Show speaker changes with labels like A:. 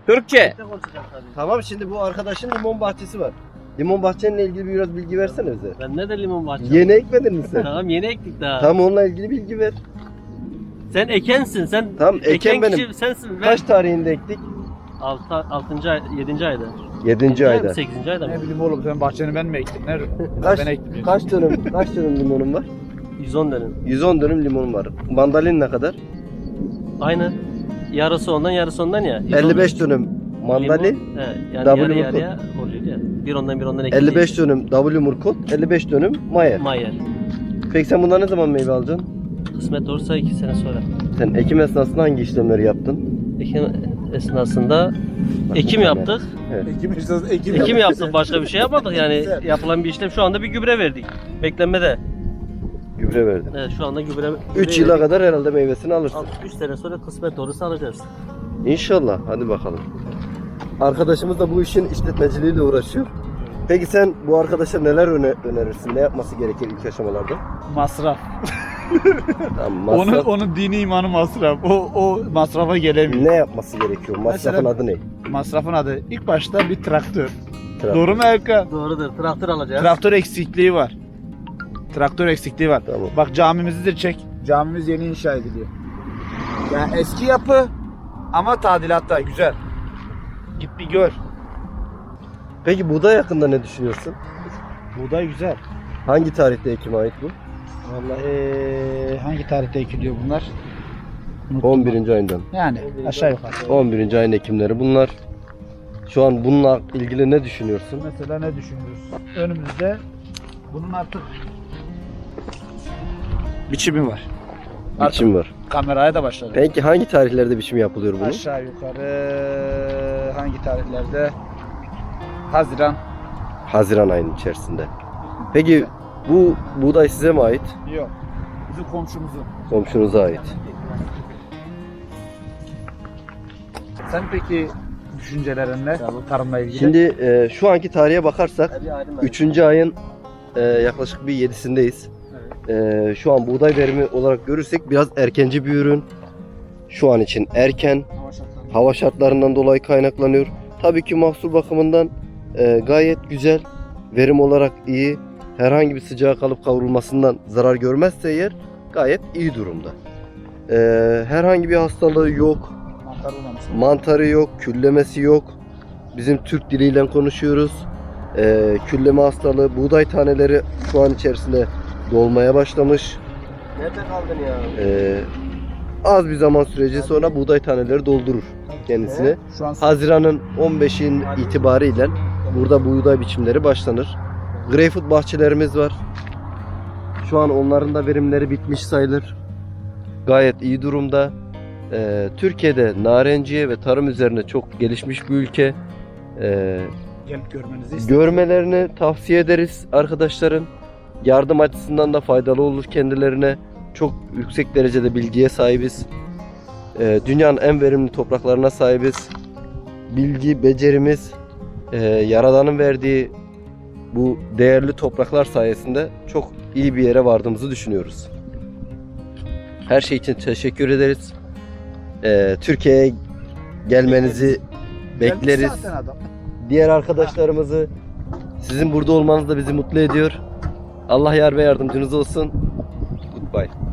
A: Türkçe.
B: Tamam, şimdi bu arkadaşın limon bahçesi var. Limon bahçenle ilgili biraz bilgi versene bize.
C: Ben ne de limon bahçesi.
B: Yeni ekmedin mi sen?
C: Tamam yeni ektik daha.
B: Tamam, onunla ilgili bilgi ver.
C: Sen ekensin. Sen
B: Tamam, eken benim.
C: kişi sensin.
B: Kaç tarihinde ektik?
C: 6. ay, 7. ayda.
B: 7. ayda.
C: 8. ayda mı?
A: Ne bileyim oğlum, sen bahçeni ben mi ektim? Nerede?
B: Kaç,
A: Ben ektim.
B: kaç dönüm limonun var?
C: 110 dönüm.
B: 110 dönüm limonum var. Mandalin ne kadar?
C: Aynı. Yarısı ondan yarısı ondan ya.
B: 55 dönüm mandalin.
C: Limon, he, yani
B: W
C: yarı
B: murkot.
C: yarıya oluyor ya. Bir ondan ektik.
B: 55 dönüm W murkot, 55 dönüm mayer.
C: Mayer.
B: Peki sen bundan ne zaman meyve alacaksın?
C: Kısmet olursa 2 sene sonra.
B: Sen ekim esnasında hangi işlemleri yaptın?
C: Ekim esnasında ekim yaptık.
B: Evet.
C: Ekim yaptık, başka bir şey yapmadık yani. Yapılan bir işlem, şu anda bir gübre verdik. Beklenmede.
B: Gübre verdin.
C: Evet, şu anda gübre
B: 3 yıla kadar herhalde meyvesini alırsın.
C: 3 sene sonra kısmet olursa alacağız.
B: İnşallah. Hadi bakalım. Arkadaşımız da bu işin işletmeciliğiyle uğraşıyor. Peki sen bu arkadaşa neler önerirsin? Ne yapması gerekir ilk aşamalarda?
A: Masraf.
B: Tamam,
A: Onun dini imanı masraf. O masrafa gelemiyor.
B: ne yapması gerekiyor? Masrafın
A: Mesela-
B: adı ne?
A: Masrafın adı ilk başta bir traktör.
B: Traktör.
A: Doğru mu Erkan?
C: Doğrudur. Traktör alacağız.
A: Traktör eksikliği var. Traktör eksikliği var.
B: Tamam.
A: Bak camimizi de çek. Camimiz yeni inşa ediliyor. Yani eski yapı ama tadilatta güzel. Git bir gör.
B: Peki buğday hakkında ne düşünüyorsun?
A: Buğday güzel.
B: Hangi tarihte ekime ait bu?
A: Vallahi hangi tarihte ekiliyor bunlar? Unuttum
B: 11. ayından.
A: ben. Yani aşağı yukarı.
B: 11. ayın ekimleri bunlar. Şu an bununla ilgili ne düşünüyorsun?
A: Mesela ne düşünüyoruz? Önümüzde bunun artık biçimi var.
B: Biçim var.
A: Kameraya da başladı.
B: Peki hangi tarihlerde biçim yapılıyor bunun?
A: Aşağı yukarı hangi tarihlerde? Haziran.
B: Haziran ayının içerisinde. Peki bu buğday size mi ait?
A: Yok. Bizim komşumuzun.
B: Komşunuza ait.
A: Sen peki düşüncelerin ne? Tarımla ilgili.
B: Şimdi şu anki tarihe bakarsak 3. ayın yaklaşık bir 7'sindeyiz. Şu an buğday verimi olarak görürsek biraz erkenci bir ürün. Şu an için erken. Hava şartlarından dolayı kaynaklanıyor. Tabii ki mahsul bakımından gayet güzel. Verim olarak iyi. Herhangi bir sıcağa kalıp kavrulmasından zarar görmezse eğer gayet iyi durumda. Herhangi bir hastalığı yok.
A: Mantar olmamış.
B: Mantarı yok, küllemesi yok. Bizim Türk diliyle konuşuyoruz. Külleme hastalığı, buğday taneleri şu an içerisinde dolmaya başlamış.
C: Nerede kaldın ya?
B: Az bir zaman süreci sonra buğday taneleri doldurur kendisini.
A: Şu an
B: Haziran'ın 15'in itibariyle burada buğday biçimleri başlanır. Greyfurt bahçelerimiz var. Şu an onların da verimleri bitmiş sayılır. Gayet iyi durumda. Türkiye'de narenciye ve tarım üzerine çok gelişmiş bir ülke.
A: gelip görmenizi istedim.
B: Görmelerini tavsiye ederiz arkadaşların. Yardım açısından da faydalı olur kendilerine. Çok yüksek derecede bilgiye sahibiz. Dünyanın en verimli topraklarına sahibiz. Bilgi, becerimiz, Yaradan'ın verdiği bu değerli topraklar sayesinde çok iyi bir yere vardığımızı düşünüyoruz. Her şey için teşekkür ederiz. Türkiye'ye gelmenizi bekleriz.
A: Gelmiş zaten adam.
B: Diğer arkadaşlarımızı, sizin burada olmanız da bizi mutlu ediyor. Allah yar ve yardımcınız olsun. Goodbye.